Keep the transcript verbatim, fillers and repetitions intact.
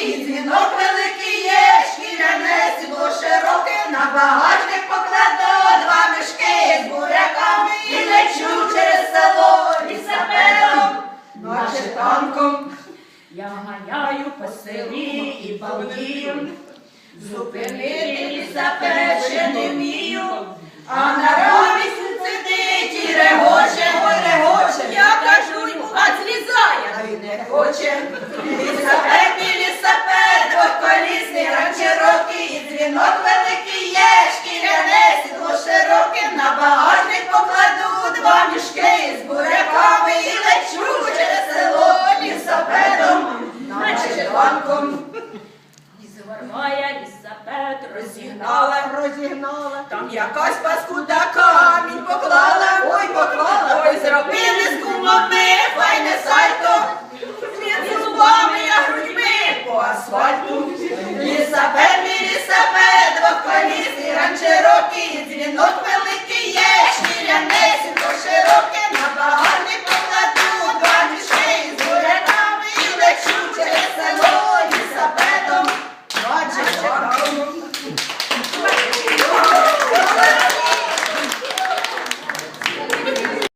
і дзвінок великий є, шкіряне сідло широке, на багажник покладу два мішки з буряками і лечу через село лісапедом, наче танком. Я ганяю по селі і балдію, зупинити лісапед ще не вмію, а на рамі сидить і регоче, ой регоче. Я кажу йому, а злізає, а він не хоче. Лісапед, мій лісапед, двохколісний, ранчерокий, і дзвінок великий є, шкіряне сідло широке, на багажник покладу два мішки з буряками і лечу через село лісапедом, наче танком. Моя лісапед Розігнала, розігнала, там якась паскуда камінь поклала, ой, поклала, ой, зробили з кумами файне сальто, з зубами